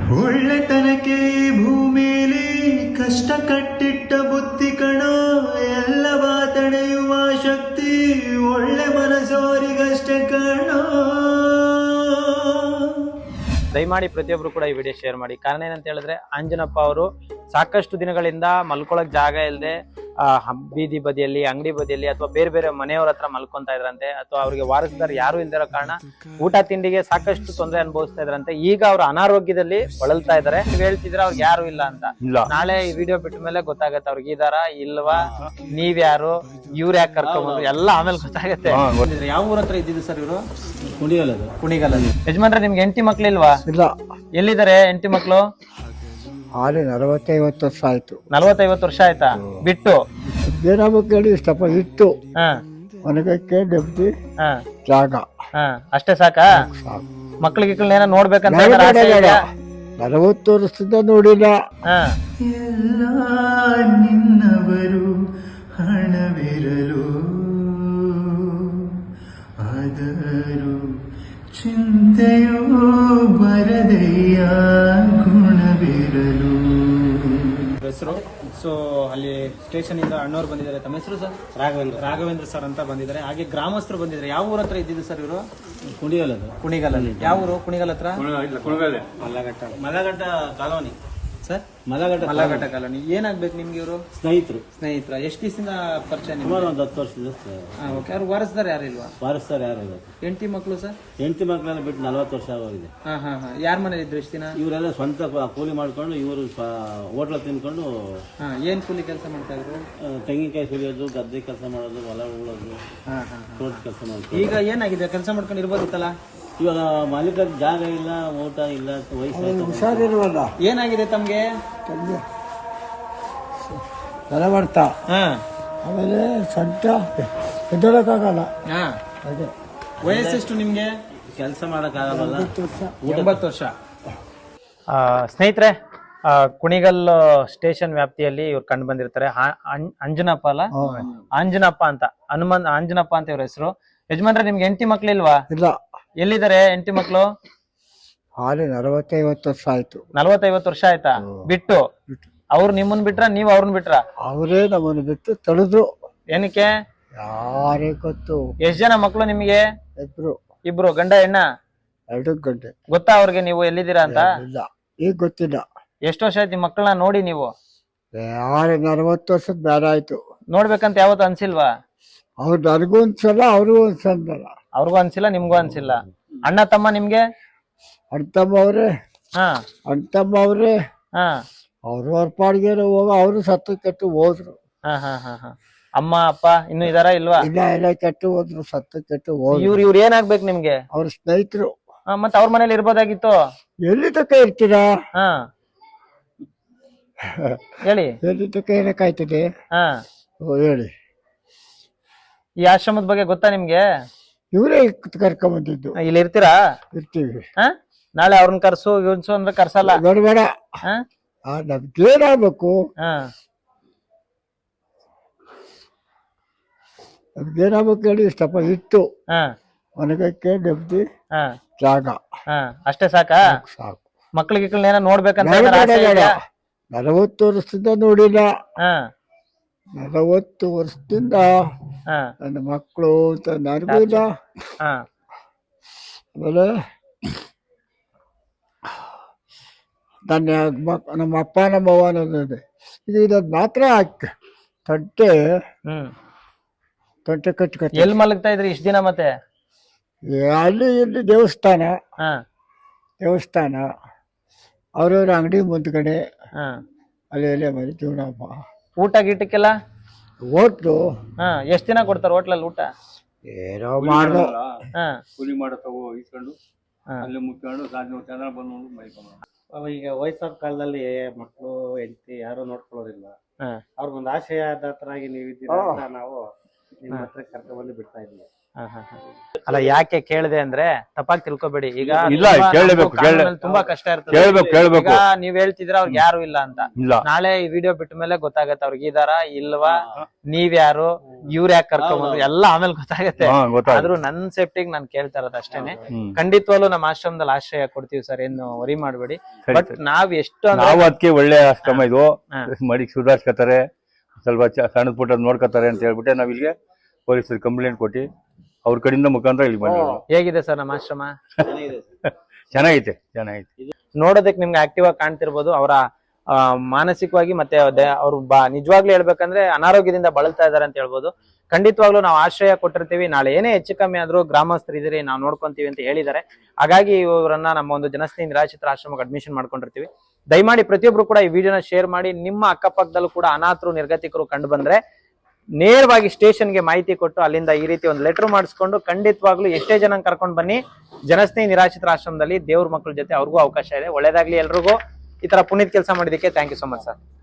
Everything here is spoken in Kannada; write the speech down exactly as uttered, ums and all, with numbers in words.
ಒಳ್ಳೆತನಕ್ಕೆ ಭೂಮಿಲಿ ಕಷ್ಟ ಕಟ್ಟಿಟ್ಟ ಬುದ್ಧಿ ಕಣೋ, ಎಲ್ಲವ ತಡೆಯುವ ಶಕ್ತಿ ಒಳ್ಳೆ ಮನಸ್ಸೋರಿಗಷ್ಟೇ ಕಣೋ. ದಯಮಾಡಿ ಪ್ರತಿಯೊಬ್ರು ಕೂಡ ಈ ವಿಡಿಯೋ ಶೇರ್ ಮಾಡಿ. ಕಾರಣ ಏನಂತ ಹೇಳಿದ್ರೆ, ಅಂಜನಪ್ಪ ಅವರು ಸಾಕಷ್ಟು ದಿನಗಳಿಂದ ಮಲ್ಕೊಳಕ್ ಜಾಗ ಇಲ್ಲದೆ ಬೀದಿ ಬದಿಯಲ್ಲಿ, ಅಂಗಡಿ ಬದಿಯಲ್ಲಿ ಅಥವಾ ಬೇರೆ ಬೇರೆ ಮನೆಯವ್ರ ಹತ್ರ ಮಲ್ಕೊಂತಾ ಇದ್ರಂತೆ, ಅಥವಾ ಅವ್ರಿಗೆ ವಾರಸ್ದಾರ್ ಯಾರು ಇಲ್ದಿರೋ ಕಾರಣ ಊಟ ತಿಂಡಿಗೆ ಸಾಕಷ್ಟು ತೊಂದರೆ ಅನುಭವಿಸ್ತಾ ಇದ್ರಂತೆ. ಈಗ ಅವ್ರು ಅನಾರೋಗ್ಯದಲ್ಲಿ ಬಳಲ್ತಾ ಇದಾರೆ. ನೀವ್ ಹೇಳ್ತಿದ್ರೆ ಅವ್ರಿಗೆ ಯಾರು ಇಲ್ಲ ಅಂತ. ನಾಳೆ ಈ ವಿಡಿಯೋ ಬಿಟ್ಟ ಮೇಲೆ ಗೊತ್ತಾಗತ್ತೆ ಅವ್ರಿಗೆ ಇದಾರ ಇಲ್ವಾ, ನೀವ್ ಯಾರು, ಇವ್ರ ಯಾಕೆ ಕರ್ಕೊಂಡ್ಬಂದ್ರು ಎಲ್ಲ ಆಮೇಲೆ ಗೊತ್ತಾಗತ್ತೆ. ಯಾವ ಊರ ಹತ್ರ ಇದ್ದಿದ್ದು ಸರ್ ಇವರು? ಕುಣಿಗಲ್. ಕುಣಿಗಲ್. ಯಜಮಾನ್ರೆ, ನಿಮ್ಗೆ ಹೆಂಡತಿ ಮಕ್ಳಿಲ್ವಾ? ಇಲ್ಲ. ಎಲ್ಲಿದ್ದಾರೆ ಹೆಂಡತಿ ಮಕ್ಳು? ಹಾಲಿ ನಲವತ್ತೈವತ್ತು ವರ್ಷ ಆಯ್ತು. ನಲವತ್ತೈವತ್ತು ವರ್ಷ ಆಯ್ತಾ ಬಿಟ್ಟು? ಏನಾಗಬೇಕು ಹೇಳಿ, ಇಷ್ಟಪ್ಪ ಇತ್ತು. ಹ ಒಣಗಕ್ಕೆ ನೆಮ್ಮದಿ, ಹ ಜಾಗ, ಹ ಅಷ್ಟೇ ಸಾಕಾ? ಸಾಕು. ಮಕ್ಳಿಗೆ ಗಿಕ್ಳನ್ನ ಏನೋ ನೋಡ್ಬೇಕಂತ ಬೇಡ, ಆಸೆ ಬೇಡ. ಇದೆಯಾ? ನಲವತ್ತು ವರ್ಷದಿಂದ ನೋಡಿಲ್ಲ. ಹ ಎಲ್ಲ ನಿನ್ನವರು ಹಣವಿರಲು, ಆದರೂ ಚಿಂತೆಯೋ ಬರದೆಯ ಗುಣವಿರಲು. ಹೆಸರು ಸೊ ಅಲ್ಲಿ ಸ್ಟೇಷನ್ ಇಂದ ಅಣ್ಣವ್ರು ಬಂದಿದ್ದಾರೆ. ತಮ್ಮ ಹೆಸರು ಸರ್? ರಾಘವೇಂದ್ರ. ರಾಘವೇಂದ್ರ ಸರ್ ಅಂತ ಬಂದಿದ್ದಾರೆ. ಹಾಗೆ ಗ್ರಾಮಸ್ಥರು ಬಂದಿದ್ದಾರೆ. ಯಾವ ಊರ ಹತ್ರ ಇದ್ದಿದ್ದು ಸರ್ ಇವರು? ಕುಣಿಗಲ್. ಕುಣಿಗಲಲ್ಲಿ. ಯಾವ ಊರು? ಕುಣಿಗಲ್ ಹತ್ರ Mallaghatta. Malaghatta colony sir? Mallaghatta Malaghatta colony. ಏನಾಗ್ಬೇಕು ನಿಮ್ಗೆ ಇವರು? ಸ್ನೇಹಿತರು. ಸ್ನೇಹಿತರ. ಎಷ್ಟು ದಿವಸದಿಂದ ಪರಿಚಯ? ಸುಮಾರು ಒಂದು ಹತ್ತು ವರ್ಷದ. ಓಕೆ. ಅವ್ರು ವಾರಸ್ದಾರ್ ಯಾರು ಇಲ್ವಾ? ವಾರಸ್ತಾರೆ ಯಾರು ಇಲ್ಲ. ಹೆಂಡತಿ ಮಕ್ಕಳು ಸರ್? ಹೆಂಡತಿ ಮಕ್ಕಳೆಲ್ಲ ಬಿಟ್ಟು ನಲವತ್ತು ವರ್ಷ ಆಗೋಗಿದೆ. ಹಾ ಹಾ ಹಾ. ಯಾರ ಮನೇಲಿ ಇದ್ರು ಇಷ್ಟು ದಿನ? ಇವರೆಲ್ಲ ಸ್ವಂತ ಕೂಲಿ ಮಾಡ್ಕೊಂಡು, ಇವರು ಹೋಟ್ಲ ತಿನ್ಕೊಂಡು ಹಾ. ಏನ್ ಕೂಲಿ ಕೆಲಸ ಮಾಡ್ತಾ ಇದ್ರು? ಆ, ತೆಂಗಿನಕಾಯಿ ಸುಲಿಯೋದು, ಗದ್ದೆ ಕೆಲಸ ಮಾಡೋದು, ಹೊಲ ಉಳೋದು, ಹಾ ಹಾ. ತೋಟ ಕೆಲಸ ಮಾಡೋದು. ಈಗ ಏನಾಗಿದೆ? ಕೆಲಸ ಮಾಡ್ಕೊಂಡು ಇರ್ಬೋದಿತ್ತಲ್ಲ? ಇವಾಗ ಮಾಲೀಕರ ಜಾಗ ಇಲ್ಲ, ಊಟ ಇಲ್ಲ, ವಯಸ್ಸಾಯ್ತು. ಹುಷಾರಿರುವಲ್ಲ. ಏನಾಗಿದೆ ತಮ್ಗೆ? ತಲೆ ಮಾಡ್ತಾ, ಹಾ. ಆಮೇಲೆ ಸೊಂಟ ಎದ್ದೋಳಕ್ಕಾಗಲ್ಲ. ಹಾ. ಅದೇ ವಯಸ್ಸೆಷ್ಟು ನಿಮ್ಗೆ? ಕೆಲಸ ಮಾಡೋಕ್ಕಾಗಲ್ಲ. ಎಂಬತ್ತು ವರ್ಷ. ಸ್ನೇಹಿತರೆ, ಕುಣಿಗಲ್ ಸ್ಟೇಷನ್ ವ್ಯಾಪ್ತಿಯಲ್ಲಿ ಇವ್ರು ಕಂಡು ಬಂದಿರ್ತಾರೆ. ಅಂಜನಪ್ಪ ಅಲ್ಲ, ಅಂಜನಪ್ಪ ಅಂತ, ಹನುಮಂತ್ ಅಂಜನಪ್ಪ ಅಂತ ಇವ್ರ ಹೆಸರು. ಯಜಮಾನ್ರೆ, ನಿಮ್ಗೆ ಹೆಂಡತಿ ಮಕ್ಳಿಲ್ವಾ? ಇಲ್ಲ. ಎಲ್ಲಿದ್ದಾರೆ ಹೆಂಡತಿ ಮಕ್ಳು? ಹಾಲಿ ನಲವತ್ತೈವತ್ತು ವರ್ಷ ಆಯ್ತು. ನಲವತ್ತೈವತ್ತು ವರ್ಷ ಆಯ್ತಾ ಬಿಟ್ಟು? ಅವ್ರು ನಿಮ್ಮನ್ ಬಿಟ್ರ, ನೀವ್ ಅವ್ರನ್ನ ಬಿಟ್ರ? ಅವರೇ ನಮ್ಮನ್ನು ಬಿಟ್ಟು ತಡೆದ್ರು. ಏನಕ್ಕೆ? ಯಾರೇ ಗೊತ್ತು. ಎಷ್ಟ್ ಜನ ಮಕ್ಳು ನಿಮ್ಗೆ? ಇಬ್ರು. ಇಬ್ರು. ಗಂಡ ಹೆಣ್ಣ? ಎರಡು ಗಂಟೆ. ಗೊತ್ತಾ ಅವ್ರಿಗೆ ನೀವು ಎಲ್ಲಿದ್ದೀರಾ ಅಂತ? ಇಲ್ಲ, ಈಗ ಗೊತ್ತಿಲ್ಲ. ಎಷ್ಟು ವರ್ಷ ಆಯ್ತು ಮಕ್ಕಳನ್ನ ನೋಡಿ ನೀವು? ಯಾರು ನಲವತ್ತು ವರ್ಷದ ಬೇಡ ಆಯ್ತು. ನೋಡ್ಬೇಕಂತ ಯಾವತ್ತು ಅನ್ಸಿಲ್ವಾ? ಅವ್ರು ನನಗೂ ಅನ್ಸಲ್ಲ, ಅವ್ರಿಗೂ ಅನ್ಸಲ್ಲ. ಅವ್ರಿಗೂ ಅನ್ಸಿಲ್ಲ, ನಿಮ್ಗೂ ಅನ್ಸಿಲ್ಲ. ಅಣ್ಣ ತಮ್ಮ ನಿಮ್ಗೆ? ಅಣ್ತಮ್ಮ ಅವ್ರೆ. ಹಾ. ಅಣ್ತಮ್ಮ ಅವ್ರೆ. ಹಾ. ಅವ್ರು ಅವ್ರ ಪಾಡಿಗೆ ಹೋಗ, ಅವರು ಸತ್ತು ಕೆಟ್ಟು ಹೋದ್ರು. ಹಾ ಹಾ ಹಾ ಹಾ. ಅಮ್ಮ ಅಪ್ಪ ಇನ್ನು ಇದಾರ ಇಲ್ವಾ? ಇಲ್ಲ, ಎಲ್ಲ ಕೆಟ್ಟು ಹೋದ್ರು, ಸತ್ತು ಕೆಟ್ಟು ಹೋದ್ರು. ಇವ್ರು ಇವ್ರು ಏನಾಗ್ಬೇಕು ನಿಮ್ಗೆ? ಅವ್ರ ಸ್ನೇಹಿತರು. ಮತ್ತೆ ಅವ್ರ ಮನೇಲಿ ಇರ್ಬೋದಾಗಿತ್ತು. ಎಲ್ಲಿ ತಕ ಇರ್ತೀರಾ? ಹಾ ಹೇಳಿ. ಎಲ್ಲಿ ತಕ ಏನಕ್ಕಾಯ್ತದೆ? ಹಾ. ಓ, ಹೇಳಿ. ಈ ಆಶ್ರಮದ ಬಗ್ಗೆ ಗೊತ್ತಾ ನಿಮ್ಗೆ? ಇವರೇ ಕರ್ಕೊಂಬಂದಿದ್ದು. ಇಲ್ಲಿ ಇರ್ತೀರಾ? ಇರ್ತೀವಿ. ಹಾ. ನಾಳೆ ಅವ್ರನ್ನ ಕರ್ಸು ಇನ್ಸು ಅಂದ್ರೆ ಕರ್ಸಲ್ಲ. ಬೇಡ ಬೇಡ. ಹಾ. ನಮ್ಗೇನಾಗ್ಬೇಕು? ಹಾ. ನಮ್ಗೇನಾಗ್ಬೇಕು ಹೇಳಿ, ಇಷ್ಟಪ್ಪ ಇತ್ತು. ಹಾ. ಒಣಗಕ್ಕೆ ನೆಮ್ಮದಿ, ಹಾ. ಜಾಗ, ಹಾ. ಅಷ್ಟೇ ಸಾಕಾ? ಸಾಕು. ಮಕ್ಳಿಗೆ ಗಿಕ್ಳನ್ನ ಏನೋ ನೋಡ್ಬೇಕಂತ ಬೇಡ, ಏನಾರ ಬೇಡ, ಆಸೆ ಬೇಡ. ಇದೆಯಾ? ನಲವತ್ತು ವರ್ಷದಿಂದ ನೋಡಿಲ್ಲ. ಹಾ. ನಲವತ್ತು ವರ್ಷದಿಂದ ಹಾ. ನನ್ನ ಮಕ್ಕಳು ಅಂತ ನನಗೂ ಇಲ್ಲ. ಹಾ. ಆಮೇಲೆ ನನ್ನ ಮಕ್ ನಮ್ಮ ಅಪ್ಪ ನಮ್ಮ ಅವ್ವ ಅನ್ನೋದಿದೆ. ಇದು ಇದೊಂದು ಮಾತ್ರ ಹಾಕಿ ತೊಂಟೆ ಹ್ಮ್. ತೊಂಟೆ ಕಟ್ಕೊತ ಎಲ್ ಮಲಗ್ತಾ ಇದ್ರಿ ಇಷ್ಟ ದಿನ ಮತ್ತೆ? ಅಲ್ಲಿ ಇಲ್ಲಿ ದೇವಸ್ಥಾನ, ಹಾ. ದೇವಸ್ಥಾನ ಅವ್ರವ್ರ ಅಂಗಡಿ ಮುಂದ್ಗಡೆ ಹಾ. ಅಲ್ಲಿ ಅಲ್ಲೇ ಮನೆ ಜೀವನಪ್ಪ. ಊಟ ಗೀಟಕ್ಕೆಲ್ಲ ಹೋಟ್ಲು. ಹಾ. ಎಷ್ಟ್ ದಿನ ಕೊಡ್ತಾರ ಹೋಟ್ಲಲ್ಲಿ ಊಟ? ಏನೋ ಮಾಡ್ದು. ಹಾ. ಕೂಲಿ ಮಾಡೋ ತಗೋ ಇಸ್ಕೊಂಡು ಅಲ್ಲಿ ಮುಚ್ಕೊಂಡು ರಾಜ್ಯ ಚಂದ್ರ ಬಂದು ಮೈಕೊಂಡು. ಈಗ ವಯಸ್ಸಾದ ಕಾಲದಲ್ಲಿ ಮಕ್ಕಳು ಹೆಂಡತಿ ಯಾರು ನೋಡ್ಕೊಳ್ಳೋದಿಲ್ಲ. ಹಾ. ಅವ್ರಿಗೊಂದು ಆಶಯದಾತರಾಗಿ ನೀವು ಇದ್ದೀರಾ ಅಂತ ನಾವು ನಿಮ್ಮ ಹತ್ರ ಕರ್ಕೊಂಡ್ ಬಂದು ಬಿಡ್ತಾ ಇದ್ವಿ. ಹ, ಹ, ಹ. ಅಲ್ಲ ಯಾಕೆ ಕೇಳಿದೆ ಅಂದ್ರೆ ತಪ್ಪಾಗಿ ತಿಳ್ಕೊಬೇಡಿ. ಈಗ ಇಲ್ಲ, ತುಂಬಾ ಕೇಳ್ಬೇಕು, ನಮ್ಗೂ ಕಾನೂನಲ್ಲಿ ತುಂಬಾ ಕಷ್ಟ ಇರ್ತದೆ. ಕೇಳ್ಬೇಕು ಕೇಳ್ಬೇಕು ಈಗ ನೀವ್ ಹೇಳ್ತಿದ್ರ ಅವ್ರಿಗೆ ಯಾರು ಇಲ್ಲ ಅಂತ. ಇಲ್ಲ ನಾಳೆ ಈ ವಿಡಿಯೋ ಬಿಟ್ಟ ಮೇಲೆ ಗೊತ್ತಾಗತ್ತೆ ಅವ್ರಿಗೆ ಇದಾರ ಇಲ್ವಾ, ನೀವ್ಯಾರು, ಇವ್ರ ಯಾಕೆ ಕರ್ಕೊಂಡ್ಬಂದ್ರು ಎಲ್ಲ ಆಮೇಲೆ ಗೊತ್ತಾಗತ್ತೆ. ಹಾ ಗೊತ್ತಾಯ್ತು ಆದ್ರೂ ನನ್ ಸೇಫ್ಟಿಗೆ ನಾನ್ ಕೇಳ್ತಾ ಇರೋದು ಅಷ್ಟೇನೆ. ಹ್ಮ್ ಖಂಡಿತವಾಗ್ಲೂ ನಮ್ಮ ಆಶ್ರಮದಲ್ಲಿ ಆಶ್ರಯ ಕೊಡ್ತೀವಿ ಸರ್, ಏನು ವರಿ ಮಾಡ್ಬೇಡಿ. ಸರಿ, ಬಟ್ ಸರಿ. ನಾವ್ ಎಷ್ಟು ಅಂದ್ರೆ ನಾವು ಅದಕ್ಕೆ ಒಳ್ಳೆ ಆಶ್ರಮ ಇದು, ಹಾ. ಮಡಿಗೆ ಸುಧಾರಿಸ್ಕೊತಾರೆ, ಸ್ವಲ್ಪ ಚ- ಸಣ್ಣ ಪುಟ್ಟ ನೋಡ್ಕೊತಾರೆ ಅಂತ ಹೇಳ್ಬಿಟ್ಟೆ ನಾವ್ ಇಲ್ಲಿಗೆ ಪೊಲೀಸರಿಗೆ ಕಂಪ್ಲೇಂಟ್ ಕೊಟ್ಟು ಅವ್ರ ಕಡೆಯಿಂದ ಮುಖಾಂತರ ಇಲ್ಲಿ ಬಂದಿರೋದು. ಹೇಗಿದೆ ಸರ್ ನಮ್ಮ ಆಶ್ರಮ? ಚೆನ್ನಾಗೈತೆ ಚೆನ್ನಾಗೈತೆ. ನೋಡೋದಕ್ಕೆ ನಿಮ್ಗೆ ಆಕ್ಟಿವ್ ಆಗಿ ಕಾಣ್ತಿರ್ಬೋದು. ಅವರ ಮಾನಸಿಕವಾಗಿ ಮತ್ತೆ ಅವ್ರು ಬಾ ನಿಜವಾಗ್ಲೂ ಹೇಳ್ಬೇಕಂದ್ರೆ ಅನಾರೋಗ್ಯದಿಂದ ಬಳಲ್ತಾ ಇದಾರೆ ಅಂತ ಹೇಳ್ಬೋದು. ಖಂಡಿತವಾಗ್ಲೂ ನಾವು ಆಶ್ರಯ ಕೊಟ್ಟಿರ್ತೀವಿ. ನಾಳೆ ಏನೇ ಹೆಚ್ಚು ಕಮ್ಮಿ ಆದ್ರೂ ಗ್ರಾಮಸ್ಥರಿದ್ದೀರಿ, ನಾವು ನೋಡ್ಕೊಂತೀವಿ ಅಂತ ಹೇಳಿದ್ದಾರೆ. ಹಾಗಾಗಿ ಇವರನ್ನ ನಮ್ಮ ಒಂದು ಜನಸ್ನೇಹಿ ನಿರಾಶ್ರಿತರ ಆಶ್ರಮಕ್ಕೆ ಅಡ್ಮಿಷನ್ ಮಾಡ್ಕೊಂಡಿರ್ತೀವಿ. ದಯಮಾಡಿ ಪ್ರತಿಯೊಬ್ರು ಕೂಡ ಈ ವಿಡಿಯೋನ ಶೇರ್ ಮಾಡಿ. ನಿಮ್ಮ ಅಕ್ಕಪಕ್ಕದಲ್ಲೂ ಕೂಡ ಅನಾಥರು ನಿರ್ಗತಿಕರು ಕಂಡು ಬಂದ್ರೆ ನೇರವಾಗಿ ಸ್ಟೇಷನ್ಗೆ ಮಾಹಿತಿ ಕೊಟ್ಟು ಅಲ್ಲಿಂದ ಈ ರೀತಿ ಒಂದು ಲೆಟರ್ ಮಾಡಿಸ್ಕೊಂಡು ಖಂಡಿತವಾಗ್ಲೂ ಎಷ್ಟೇ ಜನ ಕರ್ಕೊಂಡು ಬನ್ನಿ. ಜನಸ್ನೇಹಿ ನಿರಾಶ್ರಿತರ ಆಶ್ರಮದಲ್ಲಿ ದೇವ್ರ ಮಕ್ಕಳ ಜೊತೆ ಅವ್ರಿಗೂ ಅವಕಾಶ ಇದೆ. ಒಳ್ಳೇದಾಗ್ಲಿ ಎಲ್ರಿಗೂ. ಈ ತರ ಪುನೀತ್ ಕೆಲಸ ಮಾಡಿದಕ್ಕೆ thank you so much sir.